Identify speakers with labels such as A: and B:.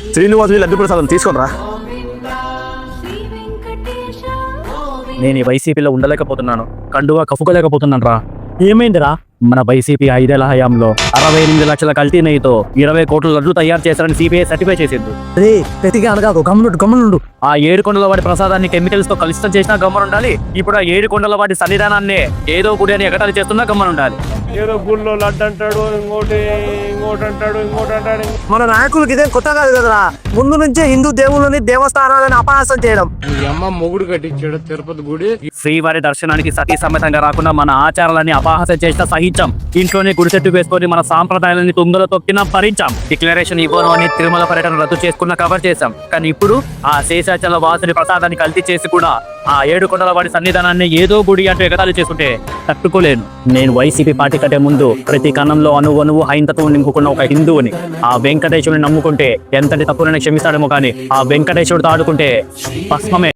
A: శ్రీనివాసు లడ్డు ప్రసాదం తీసుకోనరా.
B: నేను ఈ వైసీపీలో ఉండలేకపోతున్నాను, కండువా కప్పుకోలేకపోతున్నాను రా. ఏమైందిరా? మన వైసీపీ 5 ఏళ్ల హయాంలో 68 లక్షల కల్తీ నెయ్యితో 20 కోట్ల లడ్లు తయారు చేశారని సిబిఐ సర్టిఫై చేసింది.
C: రే ప్రతిగా అనగాదు, గమ్మునుండు.
B: ఆ 7 కొండల వాడి ప్రసాదాన్ని కెమికల్స్ తో కలుషితం చేసినా గమ్మనుండాలి. ఇప్పుడు ఆ 7 కొండల వాడి సన్నిధానాన్ని ఏదో గుడి అని ఎగతాళి చేస్తున్నా గమ్మనుండాలి.
D: ఏదో గుళ్ళో లడ్డు అంటాడు, ఇంకోటి అంటాడు.
C: మన నాయకులకి ఇదేం కొత్త కాదు కదరా. ముందు నుంచే హిందూ దేవుళ్ళని దేవస్థానాలని అపహాసం చేయడం.
D: అమ్మ మొగుడు కట్టించాడు తిరుపతి గుడి.
B: శ్రీవారి దర్శనానికి సతీ సమేతంగా రాకుండా మన ఆచారాలని అపహాసం చేసిన సహించాం. ఇంట్లోనే గుడి చెట్టు వేసుకొని మన సాంప్రదాయాలని తుంగలో తొక్కినా భరించాం. డిక్లరేషన్ ఇవ్వను అని తిరుమల పర్యటన రద్దు చేసుకున్న కవర్ చేశాం. కానీ ఇప్పుడు ఆ శేషాచల వాసుని ప్రసాదాన్ని కల్తీ చేసి కూడా ఆ 7 కొండల వాడి సన్నిధానాన్ని ఏదో గుడి అంటూ ఎగతాళి చేసుకుంటే తట్టుకోలేను. నేను వైసీపీ పార్టీ కంటే ముందు ప్రతి కణంలో అణువు హైందత్వం నింపుకున్న ఒక హిందువుని. ఆ వెంకటేశ్వరుని నమ్ముకుంటే ఎంతటి తప్పులని క్షమిస్తాడేమో కానీ ఆ వెంకటేశ్వరుడితో ఆడుకుంటే భస్మమే.